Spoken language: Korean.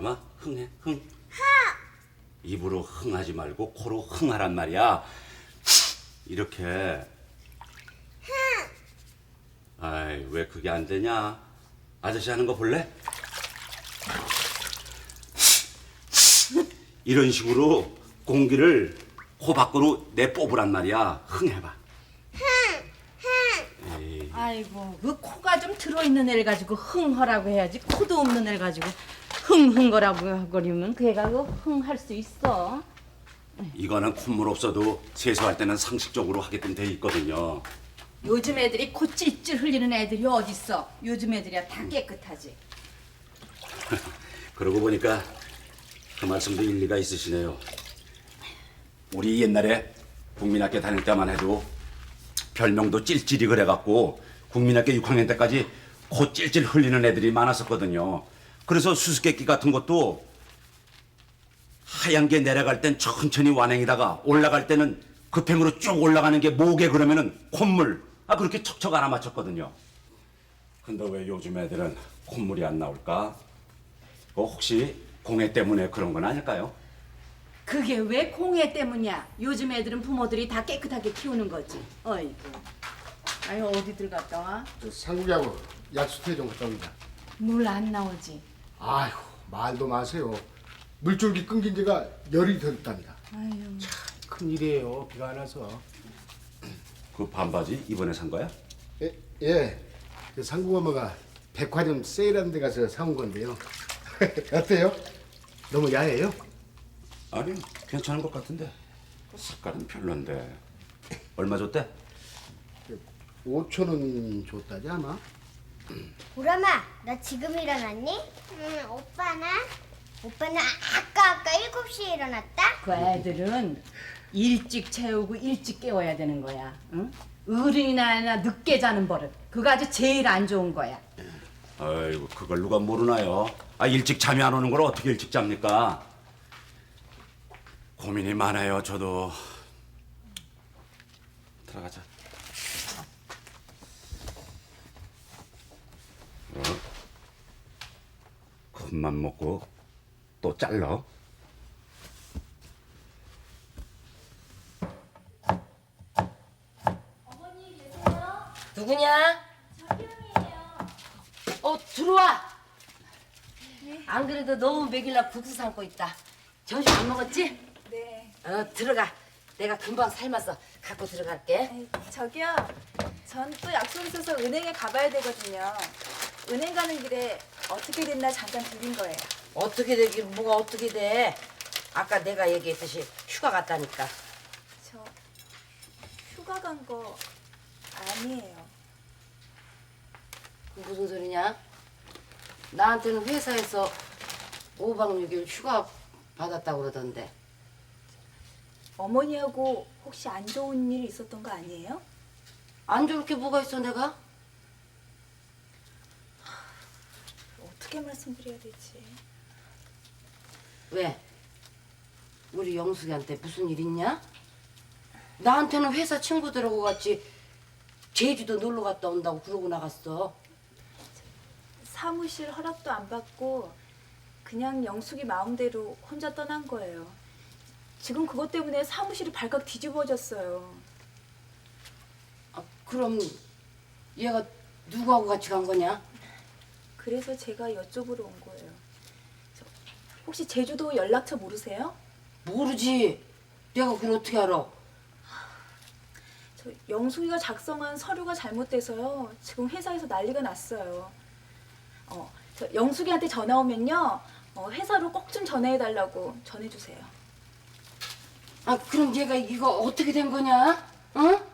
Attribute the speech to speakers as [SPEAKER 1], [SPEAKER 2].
[SPEAKER 1] 사람아, 흥해, 흥. 입으로 흥하지 말고 코로 흥하란 말이야. 이렇게. 아이, 왜 그게 안 되냐? 아저씨 하는 거 볼래? 이런 식으로 공기를 코 밖으로 내뽑으란 말이야. 흥해봐. 에이,
[SPEAKER 2] 아이고, 그 코가 좀 들어있는 애를 가지고 흥하라고 해야지. 코도 없는 애를 가지고 흥흥거라고 거리면 그 애가 그 흥할 수 있어.
[SPEAKER 1] 이거는 콧물 없어도 세수할 때는 상식적으로 하게끔 돼 있거든요.
[SPEAKER 2] 요즘 애들이 코 찔찔 흘리는 애들이 어딨어. 요즘 애들이야 다 깨끗하지.
[SPEAKER 1] 그러고 보니까 그 말씀도 일리가 있으시네요. 우리 옛날에 국민학교 다닐 때만 해도 별명도 찔찔이 그래갖고 국민학교 6학년 때까지 코 찔찔 흘리는 애들이 많았었거든요. 그래서 수수께끼 같은 것도 하얀 게 내려갈 땐 천천히 완행이다가 올라갈 때는 급행으로 쭉 올라가는 게 목에 그러면은 콧물 그렇게 척척 알아맞혔거든요. 근데 왜 요즘 애들은 콧물이 안 나올까? 혹시 공해 때문에 그런 건 아닐까요?
[SPEAKER 2] 그게 왜 공해 때문이야? 요즘 애들은 부모들이 다 깨끗하게 키우는 거지. 어이구. 아유 어디들 갔다 와?
[SPEAKER 3] 상국이하고 약수터에 좀 갔다 옵니다.
[SPEAKER 2] 물 안 나오지.
[SPEAKER 3] 아이고 말도 마세요. 물줄기 끊긴 지가 열이 됐답니다.
[SPEAKER 2] 아유.
[SPEAKER 3] 큰일이에요. 비가 안 와서.
[SPEAKER 1] 그 반바지 이번에 산 거야?
[SPEAKER 3] 예. 그 상국 엄마가 백화점 세일하는 데 가서 사온 건데요. 어때요? 너무 야해요?
[SPEAKER 1] 아니 괜찮은 것 같은데 색깔은 별론데 얼마 줬대?
[SPEAKER 3] 5천 원 줬다지 아마?
[SPEAKER 4] 보람아, 나 지금 일어났니? 응, 오빠는 아까 7시에 일어났다?
[SPEAKER 2] 그 애들은 일찍 채우고 일찍 깨워야 되는 거야. 응? 어른이나 늦게 자는 버릇. 그거 아주 제일 안 좋은 거야.
[SPEAKER 1] 아이고 그걸 누가 모르나요? 일찍 잠이 안 오는 걸 어떻게 일찍 잡니까? 고민이 많아요 저도. 들어가자. 큰맘 먹고 또 잘라.
[SPEAKER 5] 누구냐? 들어와. 안 그래도 너무 먹일라 국수 삶고 있다. 점심 안 먹었지?
[SPEAKER 6] 네.
[SPEAKER 5] 들어가. 내가 금방 삶아서 갖고 들어갈게.
[SPEAKER 6] 아이, 저기요. 전 또 약속 있어서 은행에 가봐야 되거든요. 은행 가는 길에 어떻게 됐나 잠깐 들린 거예요.
[SPEAKER 5] 어떻게 되긴 뭐가 어떻게 돼? 아까 내가 얘기했듯이 휴가 갔다니까.
[SPEAKER 6] 저 휴가 간 거 아니에요.
[SPEAKER 5] 무슨 소리냐? 나한테는 회사에서 5박 6일 휴가 받았다고 그러던데.
[SPEAKER 6] 어머니하고 혹시 안 좋은 일 있었던 거 아니에요?
[SPEAKER 5] 안 좋을 게 뭐가 있어 내가?
[SPEAKER 6] 어떻게 말씀드려야 되지?
[SPEAKER 5] 왜? 우리 영숙이한테 무슨 일 있냐? 나한테는 회사 친구들하고 같이 제주도 놀러 갔다 온다고 그러고 나갔어.
[SPEAKER 6] 사무실 허락도 안 받고 그냥 영숙이 마음대로 혼자 떠난 거예요. 지금 그것 때문에 사무실이 발칵 뒤집어졌어요.
[SPEAKER 5] 그럼 얘가 누구하고 같이 간 거냐?
[SPEAKER 6] 그래서 제가 여쭤보러 온 거예요. 혹시 제주도 연락처 모르세요?
[SPEAKER 5] 모르지. 내가 그걸 어떻게 알아?
[SPEAKER 6] 저 영숙이가 작성한 서류가 잘못돼서요. 지금 회사에서 난리가 났어요. 저 영숙이한테 전화 오면요. 회사로 꼭 좀 전화해달라고 전해주세요.
[SPEAKER 5] 그럼 얘가 이거 어떻게 된 거냐? 응?